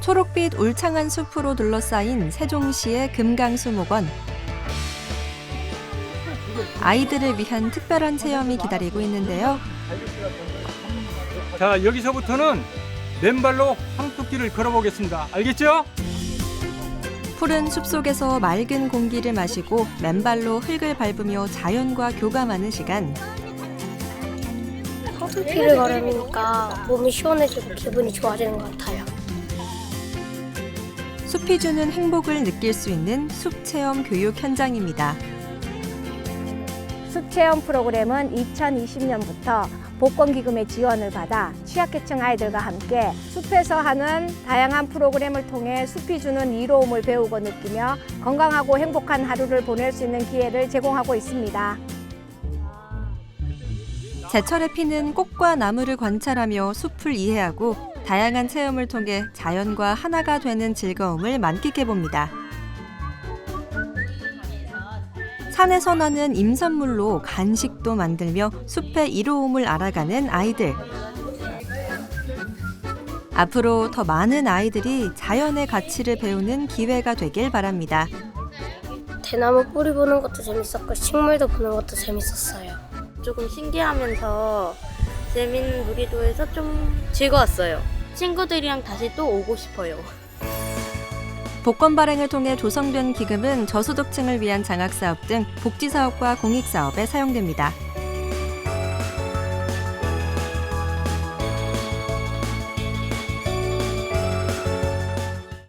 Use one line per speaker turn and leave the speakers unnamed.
초록빛 울창한 숲으로 둘러싸인 세종시의 금강수목원. 아이들을 위한 특별한 체험이 기다리고 있는데요.
자, 여기서부터는 맨발로 황토길을 걸어보겠습니다. 알겠죠?
푸른 숲속에서 맑은 공기를 마시고 맨발로 흙을 밟으며 자연과 교감하는 시간.
황토길을 걸으니까 몸이 시원해지고 기분이 좋아지는 것 같아요.
숲이 주는 행복을 느낄 수 있는 숲체험 교육 현장입니다.
숲체험 프로그램은 2020년부터 복권기금의 지원을 받아 취약계층 아이들과 함께 숲에서 하는 다양한 프로그램을 통해 숲이 주는 이로움을 배우고 느끼며 건강하고 행복한 하루를 보낼 수 있는 기회를 제공하고 있습니다.
제철에 피는 꽃과 나무를 관찰하며 숲을 이해하고 다양한 체험을 통해 자연과 하나가 되는 즐거움을 만끽해봅니다. 산에서 나는 임산물로 간식도 만들며 숲의 이로움을 알아가는 아이들. 앞으로 더 많은 아이들이 자연의 가치를 배우는 기회가 되길 바랍니다.
대나무 뿌리 보는 것도 재밌었고 식물도 보는 것도 재밌었어요.
조금 신기하면서 재밌는 놀이도에서 좀 즐거웠어요. 친구들이랑 다시 또 오고 싶어요.
복권 발행을 통해 조성된 기금은 저소득층을 위한 장학사업 등 복지사업과 공익사업에 사용됩니다.